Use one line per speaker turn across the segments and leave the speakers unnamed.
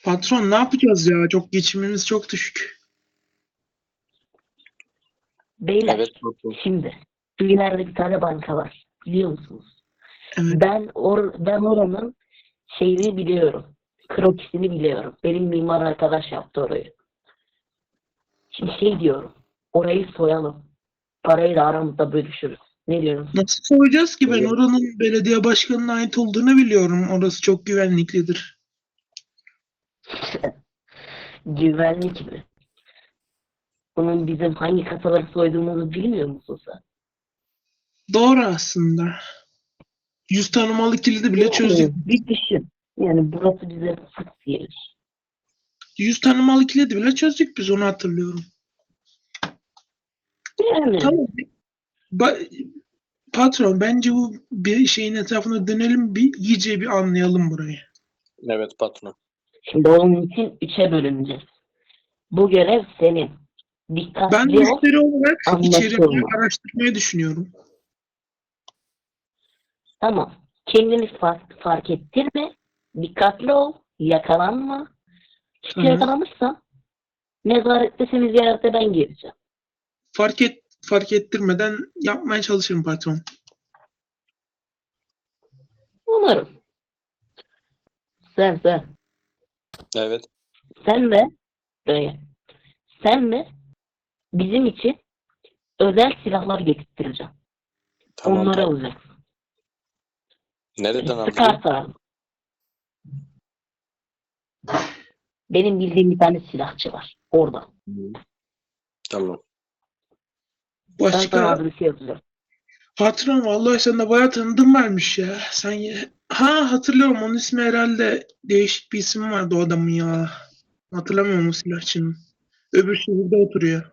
Patron ne yapacağız ya? Çok geçimimiz çok düşük.
Beyler
Evet patron.
şimdi şu ileride bir tane banka var. Biliyor musunuz?
Evet.
Ben oranın şeyini biliyorum. Krokisini biliyorum. Benim mimar arkadaş yaptı orayı. Şimdi şey diyorum. Orayı soyalım. Parayı da aramızda bölüşürüz. Ne diyorsunuz?
Nasıl soyacağız ki? Ben
Evet.
oranın belediye başkanına ait olduğunu biliyorum. Orası çok güvenliklidir.
Güvenlik mi? Bunun bizim hangi kasaları soyduğumuzu bilmiyor musun sen?
Doğru aslında. 100 tanımalı kilidi bile çözdük.
Bir düşün. Yani burası bize sık gelir.
100 tanımalı kilidi bile çözdük biz, onu hatırlıyorum.
Yani
Tamam. Patron bence bu bir şeyin etrafına dönelim, bir iyice bir anlayalım burayı.
Evet patron.
şimdi onun için 3'e bölüneceğiz. Bu görev senin.
Ben
Dikkatli ol,
müşteri olarak içeriği
anlaşılma.
araştırmayı düşünüyorum.
Tamam. Kendini fark ettirme. Dikkatli ol. Yakalanma. Hiç
Tamam.
yakalanırsan nezarette seni ziyarete ben geleceğim.
Fark ettirmeden yapmaya çalışırım patron.
Umarım. Sen.
Evet.
Sen de böyle. Sen de bizim için özel silahlar getirttireceğim.
Tamam.
Onları
patron.
alacaksın.
Nereden aldın?
Sıkarsa. Benim bildiğim bir tane silahçı var. Orada.
Tamam.
Ben sana
Başka
adresi yazacağım.
patron, vallahi sen de bayağı tanıdığım varmış ya. Hatırlıyorum, onun ismi herhalde, değişik bir isim vardı o adamın ya. Hatırlamıyorum o silahçının. Öbür şehirde oturuyor.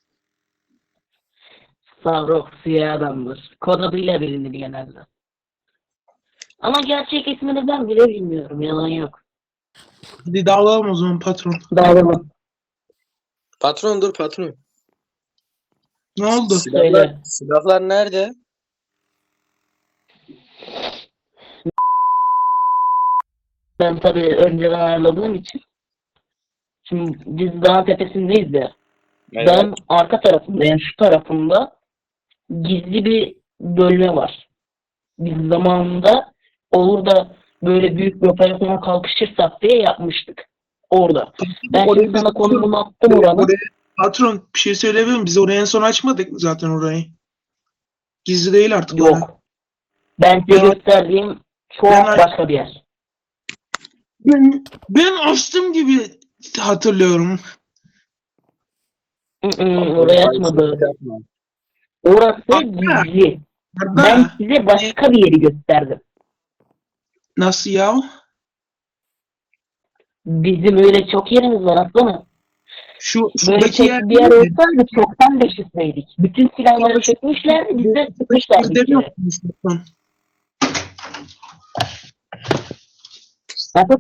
Savrok siyah adamdır. Kod adıyla bilinir genelde. Ama gerçek ismini ben bile bilmiyorum. Yalan yok.
Hadi dağılalım o zaman patron.
Dağılalım.
Patron dur patron.
Ne oldu?
Söyle.
Silahlar nerede?
Ben tabii önceden ayarladığım için. Şimdi biz dağın tepesindeyiz ya.
Evet.
Ben arka tarafında, yani şu tarafında gizli bir bölme var. Biz zamanında olur da böyle büyük bir operasyona kalkışırsak diye yapmıştık. Orada. Ben
Orayı
şimdi
biz-
sana konumunu attım oranın.
Patron bir şey söyleyebilir miyim? Biz orayı en son açmadık zaten orayı. Gizli değil artık orası.
Yok. Ben size
Ya-
gösterdiğim çok
Ben-
başka bir yer.
Ben açtım gibi hatırlıyorum.
Orayı açmadı.
Yapma.
Orası
Arda.
gizli.
Arda,
Ben size başka bir yeri gösterdim.
nasıl ya?
Bizim öyle çok yerimiz var aslanım. Böyle
Şuradaki
tek
yer
bir yer olsaydı çoktan beşikteydik. Bütün silahları çekmişlerdi, biz de sıkmışlardı bir
demiyor
kere.
musun patron?
Nasıl?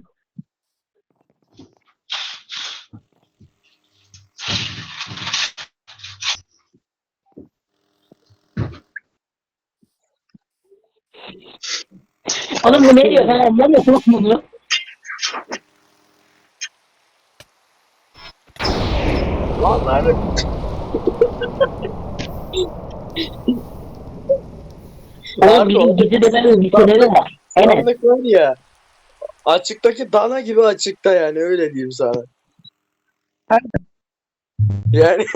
Oğlum bu ne diyor? Ben anlamıyorum bunu.
Vallahi
Oğlum benim gizli de bir sebebi var. Evet.
sandık var ya. Açıktaki dana gibi açıkta yani öyle diyeyim sana. Yani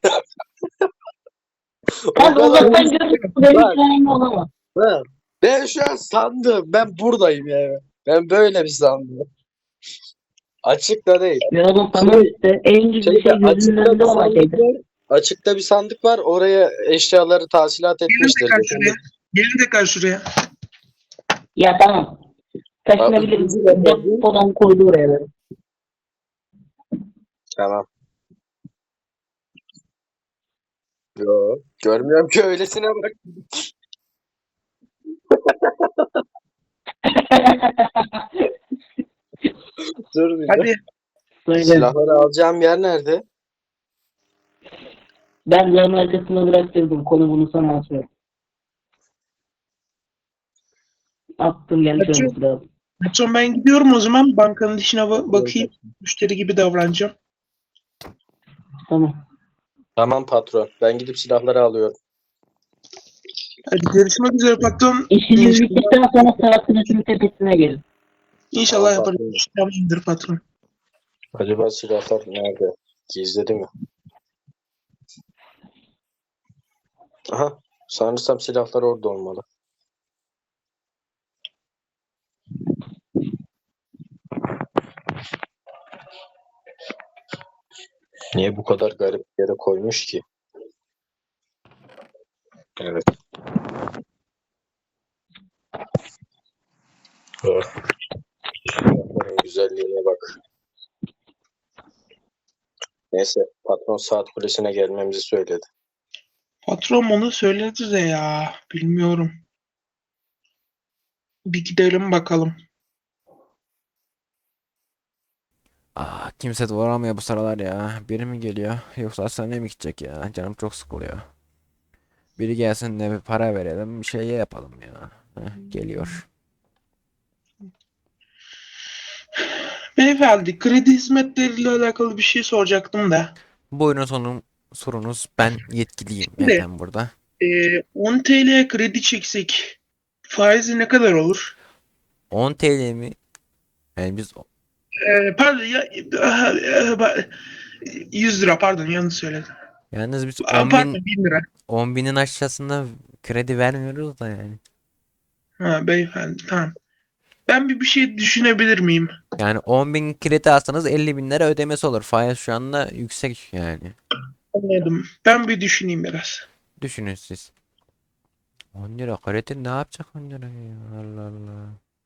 Kanka
o kadar
uzaktan görürsün. Benim
Bak.
hikayem olamaz.
Ha, ben şu an sandım. Ben buradayım yani. Ben böyle bir sandım. Açıkta değil.
Ya oğlum tamam işte. En gizli şey gözünün
açıkta
önünde
bir
olan
sandık
şeydi.
var. Açıkta bir sandık var. Oraya eşyaları tahsilat etmişler.
Gelin tekrar şuraya. Gelin tekrar şuraya.
Ya tamam. Taşınabiliriz. Depodan koydu oraya böyle.
Tamam. Yo, görmüyorum ki öylesine bak. Dur bir de.
Hadi.
Söyle.
Silahları alacağım yer nerede?
Ben yanın arkasına bıraktırdım. Konumunu sana atıyorum. Attım gelmiş
Açıyor.
olması lazım.
Patron ben gidiyorum o zaman. Bankanın işine bakayım. Müşteri gibi davranacağım.
Tamam.
Tamam patron. Ben gidip silahları alıyorum.
Hadi görüşmek üzere patron.
İşiniz
İnşallah,
bittikten sonra saatinizin tepesine gelin.
inşallah
Tamam,
yaparız.
patron.
Tamamdır patron.
Acaba silahlar nerede? Gizledi mi? Aha. Sanırsam silahlar orada olmalı. Niye bu kadar garip bir yere koymuş ki? Evet. Oh, silahların güzelliğine bak. Neyse, patron saat kulesine gelmemizi söyledi.
Patron onu söyledi de ya. Bilmiyorum. Bir gidelim bakalım.
Kimse de uğramıyor bu sıralar ya. Biri mi geliyor yoksa hastaneye mi gidecek ya? Canım çok sıkılıyor. Biri gelsin de bir para verelim bir şey yapalım ya. Geliyor.
Beyefendi kredi hizmetleriyle alakalı bir şey soracaktım da.
Buyurun sorunuz. Ben yetkiliyim
Şimdi
zaten burada.
10 TL kredi çeksek faizi ne kadar olur?
10 TL mi? Yani biz
Pardon ya 100 lira pardon yanlış söyledim.
yalnız biz
Pardon 1000 lira.
10 binin aşağısında kredi vermiyoruz da yani.
Ha beyefendi tamam. Ben bir şey düşünebilir miyim?
Yani 10 bin kredi alsanız 50 bin lira ödemesi olur. Faiz şu anda yüksek yani.
Anladım. Ben bir düşüneyim biraz.
Düşünün siz. 10 lira kredi ne yapacak 10 lira ya? Allah Allah.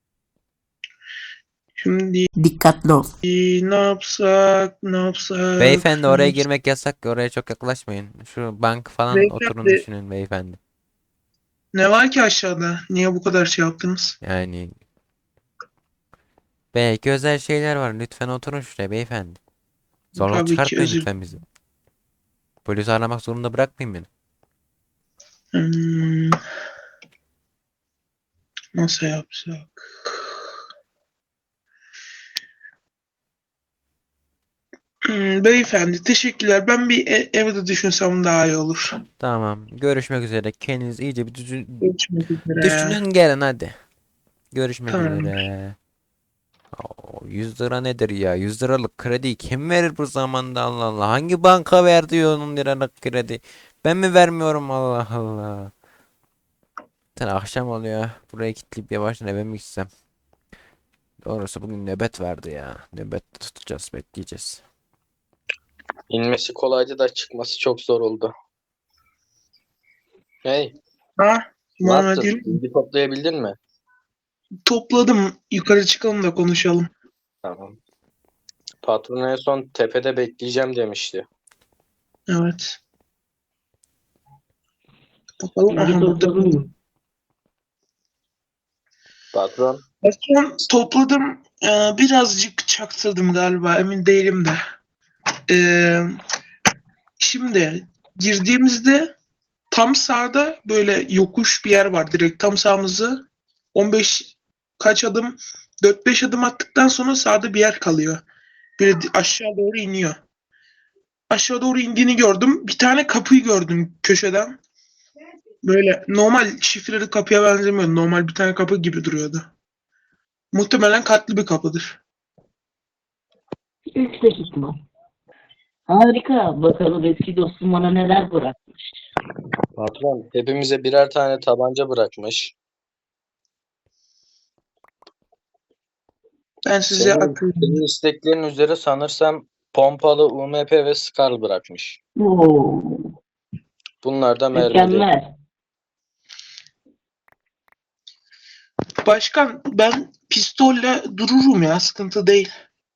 Şimdi
Dikkatli ol.
ne yapsak,
Beyefendi
ne
oraya
yapsak?
girmek yasak. Oraya çok yaklaşmayın. Şu bank falan oturun
Beyefendi
düşünün beyefendi.
ne var ki aşağıda? Niye bu kadar şey yaptınız?
Yani belki özel şeyler var. Lütfen oturun şuraya beyefendi. Zorluk
Tabii ki
çıkartmayın
özür.
lütfen bizi. Polisi aramak zorunda bırakmayın beni.
Hmm, nasıl yapsak? Beyefendi teşekkürler. Ben bir evde düşünsem daha iyi olur.
Tamam. Görüşmek üzere. Kendiniz iyice bir
Görüşmek üzere.
düşünün gelin hadi. Görüşmek
Tamam.
üzere. 100 lira nedir ya? 100 liralık krediyi kim verir bu zamanda Allah Allah? Hangi banka verdi 10 liralık kredi? Ben mi vermiyorum Allah Allah? Zaten akşam oluyor. Buraya kilitleyip yavaştan eve mi gitsem? Doğrusu bugün nöbet vardı ya. Nöbet tutacağız, bekleyeceğiz.
İnmesi kolaydı da çıkması çok zor oldu. Hey,
Ha?
ne
Muhammed
yaptın?
Yürü.
Bilgi toplayabildin mi?
Topladım. Yukarı çıkalım da konuşalım.
Tamam. Patron en son tepede bekleyeceğim demişti.
Evet. Bakalım.
Bilgi
Aha burada.
topladın mı?
Patron,
Patron topladım. Birazcık çaktırdım galiba. Emin değilim de. Ee, şimdi girdiğimizde tam sağda böyle yokuş bir yer var. Direkt tam sağımızda 15 kaç adım 4-5 adım attıktan sonra sağda bir yer kalıyor. Böyle aşağı doğru iniyor. Aşağı doğru indiğini gördüm. Bir tane kapıyı gördüm köşeden. Böyle normal şifreli kapıya benzemiyor. Normal bir tane kapı gibi duruyordu. Muhtemelen katlı bir kapıdır.
Yüksek ihtimal. Harika. Bakalım eski dostum bana neler bırakmış.
patron hepimize birer tane tabanca bırakmış.
Ben size
Senin
akıyorum.
isteklerin üzere sanırsam pompalı UMP ve Scar bırakmış.
Oo,
Bunlar da mermili.
mükemmel.
Başkan ben pistolle dururum ya sıkıntı değil.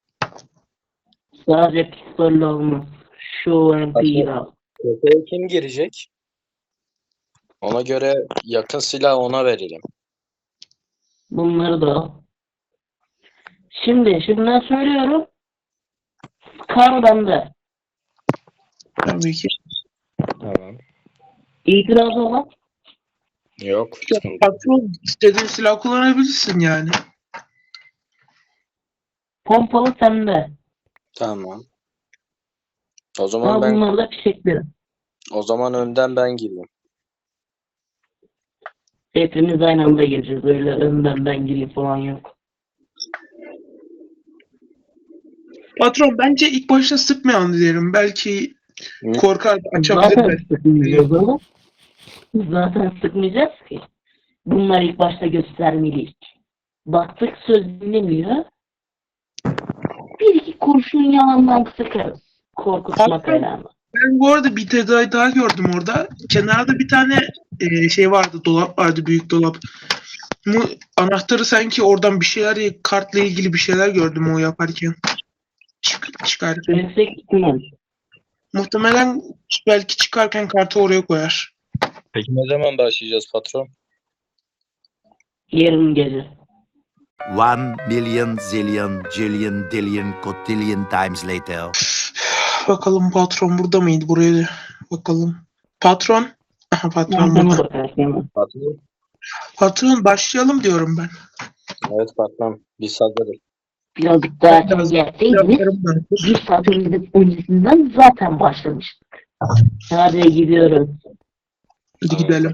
Sadece pistolle olmaz. Şu MP'yi al.
Tepeye kim girecek? Ona göre yakın silah ona verelim.
Bunları da al. Şimdiden söylüyorum. Kar bende.
Tabii ki.
Tamam.
İtiraz olan
Yok.
Patron istediğin silah kullanabilirsin yani.
Pompalı sende.
Tamam. O zaman
Ama
ben
bunlar da fişeklerim.
önden ben gireyim.
Hepimiz aynı anda gireceğiz. Öyle önden ben gireyim falan yok.
Patron bence ilk başta sıkmayalım diyelim. Belki
Hı?
korkar açabilir
Zaten
belki.
sıkmayacağız oğlum. Zaten sıkmayacağız ki. Bunlar ilk başta göstermeliyiz. Baktık söz dinlemiyor. Bir iki kurşun yalandan sıkarız. Korkutmak
Patron,
ayağına.
ben bu arada bir detay daha gördüm orada. Kenarda bir tane şey vardı, dolap vardı, büyük dolap. Bu anahtarı sanki oradan bir şeyler, kartla ilgili bir şeyler gördüm o yaparken. Çıkarken.
Yüksek ihtimal.
Muhtemelen belki çıkarken kartı oraya koyar.
Peki ne zaman başlayacağız patron?
Yarın gece.
1,000,000,000,000,000,000,000,000 cotillion times later.
Bakalım patron burada mıydı? Buraya da bakalım. Patron. Aha, patron
Arkana
burada.
bakarsın.
Patron.
Patron başlayalım diyorum ben.
Evet patron. Biz hazırız.
Birazcık daha erken
Biraz-
gelseydiniz
Yaplarım ben.
bir saat öncesinden zaten başlamıştık. Hadi gidiyoruz.
Hadi gidelim.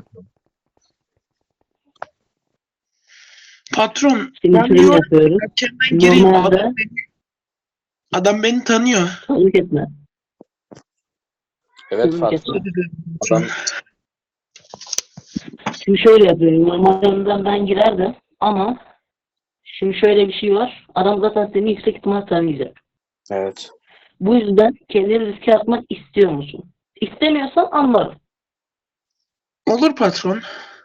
Patron
Şimdi
ben
şöyle
diyorum
yapıyoruz.
erkenden gireyim.
Normalde
Adam beni tanıyor.
çabuk etme.
Evet
Çabuk
patron.
etme.
Adam
Şimdi şöyle yapıyorum. Normalde ben girerdim ama şimdi şöyle bir şey var. Adam zaten seni yüksek ihtimal tanıyacak.
evet.
Bu yüzden kendini riske atmak istiyor musun? İstemiyorsan anlarım.
Olur patron.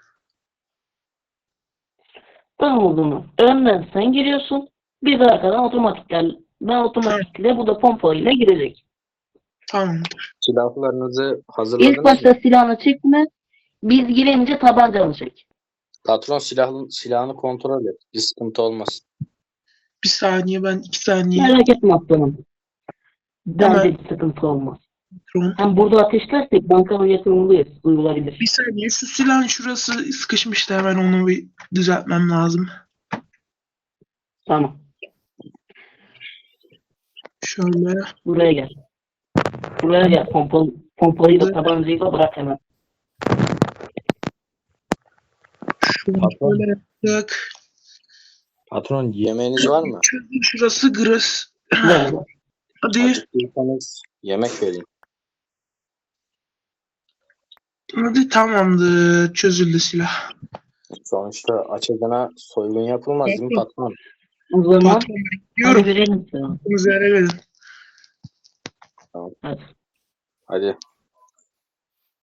Ben olduğunu önden sen giriyorsun. Bir de arkadan ben otomatikle bu da pompalıyla girecek.
Tamamdır.
Silahlarınızı
İlk
hazırladınız
başta
mı?
silahını çekme. Biz girince tabancanı çek.
Patron silahını kontrol et. Bir sıkıntı olmasın.
Bir saniye, ben 2 saniye.
Merak etme aslanım. Bence
Hemen.
bir sıkıntı olmaz.
Patron.
Hem burada ateşlersek bankanın yakınındayız. Duyulabilir.
Bir saniye, şu silahın şurası sıkışmıştı, hemen onu bir düzeltmem lazım.
Tamam.
Şöyle.
Buraya gel. Buraya gel. Pompalıyı da tabancayı da bırak hemen.
Şunu
Patron.
şöyle yaptık.
Patron yemeğiniz var mı?
Şurası gırız.
Ver.
Hadi.
Acıktıysanız yemek vereyim.
Hadi, tamamdır. Çözüldü silah.
Sonuçta açıkına soygun yapılmaz değil mi patron?
O zaman
Patron
hadi
bekliyorum.
verelim sana.
Hakkınızı helal edin.
Hadi.
Hadi.